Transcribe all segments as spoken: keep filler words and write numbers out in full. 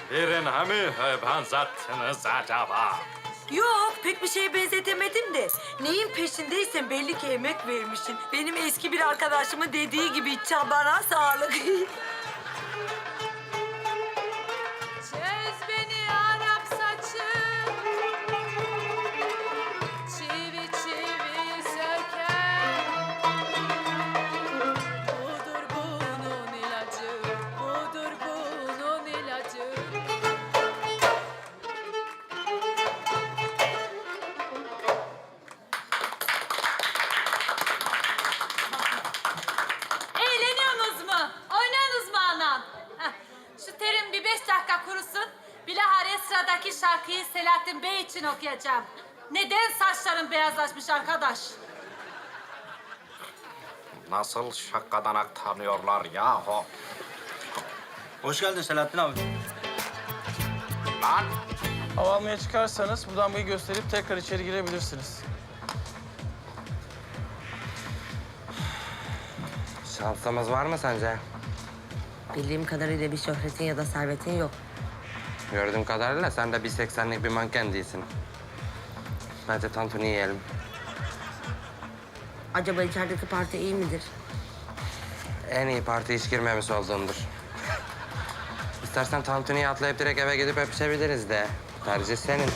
Birine mi benzettiniz acaba? Yok, pek bir şeye benzetemedim de. Neyin peşindeysen belli ki emek vermişsin. Benim eski bir arkadaşımın dediği gibi çabana sağlık. Çöz beni Arap saçım, çivi çivi söker. Budur bunun ilacı, budur bunun ilacı. Eğleniyorsunuz mu? Oynuyorsunuz mu anam? Heh, şu terim bir beş dakika kurusun. Bilahare sıradaki şarkıyı Selahattin Bey için okuyacağım. Neden saçların beyazlaşmış arkadaş? Nasıl şakadanak tanıyorlar yahu? Hoş geldin Selahattin abi. Lan! Hava almaya çıkarsanız bu damgayı gösterip tekrar içeri girebilirsiniz. Şansımız var mı sence? Bildiğim kadarıyla bir şöhretin ya da servetin yok. Gördüğüm kadarıyla sen de bir seksenlik bir manken değilsin. Bence tantuni yiyelim. Acaba içerideki parti iyi midir? En iyi parti hiç girmemiş olduğumdur. İstersen tantuniyi atlayıp direkt eve gidip öpüşebiliriz de. Tercih senin.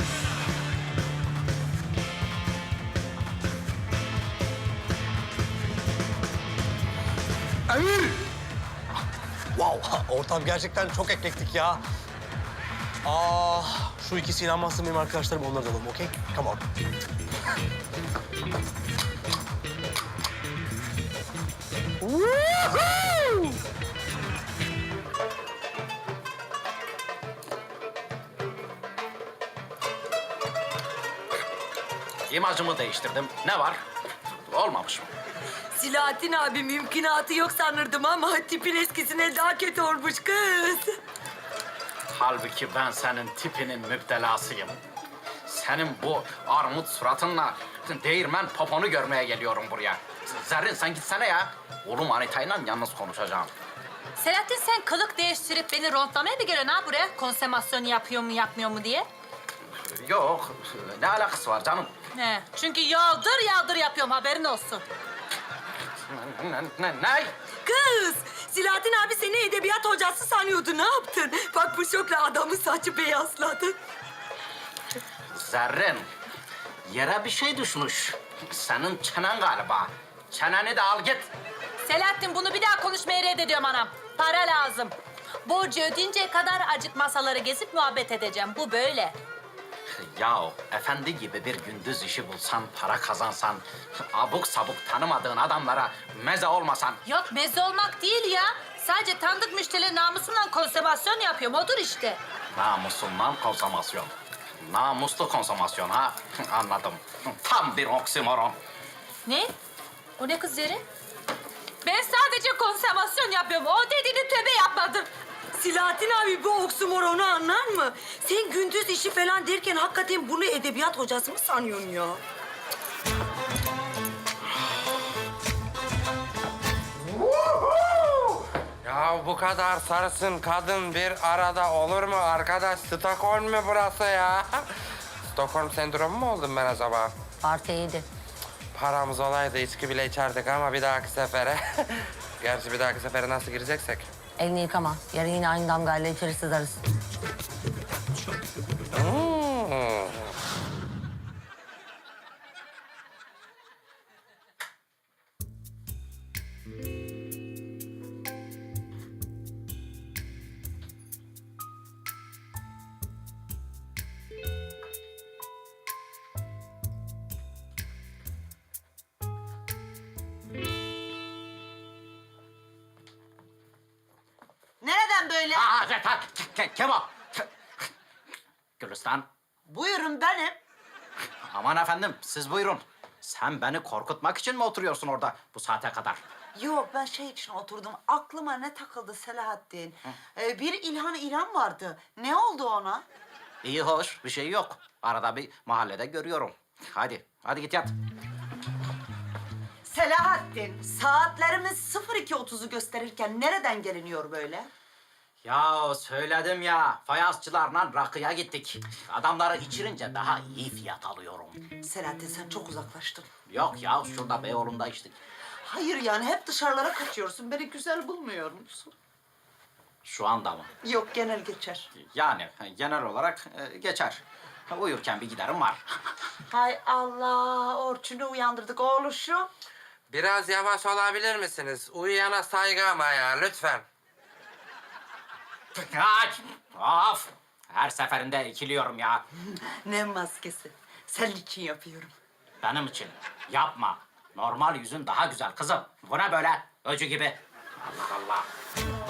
Emir! Wow, ortam gerçekten çok eklektik ya. Aa, şu ikisi inanmazsın benim arkadaşlarım, onları da alalım, okey? Come on. İmajımı değiştirdim. Ne var? Olmamış mı? Silahattin abi mümkünatı yok sanırdım ama tipin eskisine daha kötü olmuş kız. Halbuki ben senin tipinin müptelasıyım. Senin bu armut suratınla değirmen poponu görmeye geliyorum buraya. Zerrin sen gitsene ya. Oğlum Anita'yla yalnız konuşacağım. Selahattin sen kılık değiştirip beni rondlamaya mı geliyorsun ha buraya? Konsemasyon yapıyor mu yapmıyor mu diye. Yok, ne alakası var canım? Ne? Çünkü yağdır yağdır yapıyorum haberin olsun. Ne? ne, ne? Kız, Silahattin abi seni edebiyat hocası sanıyordu. Ne yaptın? Bak bu şokla adamın saçı beyazladı. Zerrin, yere bir şey düşmüş. Senin çenen galiba. Çeneni de al git. Selahattin bunu bir daha konuşmaya reddediyorum anam. Para lazım. Borcu ödeyinceye kadar acık masaları gezip muhabbet edeceğim. Bu böyle. Yahu efendi gibi bir gündüz işi bulsan, para kazansan, abuk sabuk tanımadığın adamlara meze olmasan. Yok meze olmak değil ya. Sadece tanıdık müşterilerin namusumla konservasyon yapıyorum. Odur işte. Namusundan konsomasyon. Namuslu konsomasyon ha. Anladım. Tam bir oksimoron. Ne? O ne kız Zerrin? Ben sadece konservasyon yapıyorum. O dediğini tövbe yapmadım. Silahattin abi bu oksimoronu anlar mı? Sen gündüz işi falan derken hakikaten bunu edebiyat hocası mı sanıyorsun ya? Ya bu kadar sarısın kadın bir arada olur mu arkadaş? Stockholm mu burası ya? Stockholm sendromu mu oldum ben acaba? Parti iyiydi. Paramız olaydı içki bile içerdik ama bir dahaki sefere... Gerçi bir dahaki sefere nasıl gireceksek? Elini yıkama. Yarın yine aynı damgayla içeri sızarız. Hmm. Nereden böyle? Aa, Ke- Ke- Ke- Kemal. Gülistan. Buyurun benim. Aman efendim, siz buyurun. Sen beni korkutmak için mi oturuyorsun orada bu saate kadar? Yok ben şey için oturdum. Aklıma ne takıldı Selahattin? Ee, bir İlhan İrem vardı. Ne oldu ona? İyi hoş, bir şey yok. Arada bir mahallede görüyorum. Hadi, hadi git yat. Selahattin, saatlerimiz sıfır iki otuzu gösterirken nereden geliniyor böyle? Ya söyledim ya, fayansçılarla rakıya gittik. Adamları içirince daha iyi fiyat alıyorum. Selahattin sen çok uzaklaştın. Yok ya, şurada Beyoğlu'nda içtik. Hayır yani hep dışarılara kaçıyorsun. Beni güzel bulmuyor musun? Şu anda mı? Yok genel geçer. Yani genel olarak e, geçer. Uyurken bir giderim var. Hay Allah Orçun'u uyandırdık oğluşum. Biraz yavaş olabilir misiniz? Uyuyana saygı ama ya lütfen. Ay, of! Her seferinde ikiliyorum ya. Ne maskesi? Senin için yapıyorum. Benim için yapma. Normal yüzün daha güzel kızım. Bu ne böyle? Öcü gibi. Allah Allah.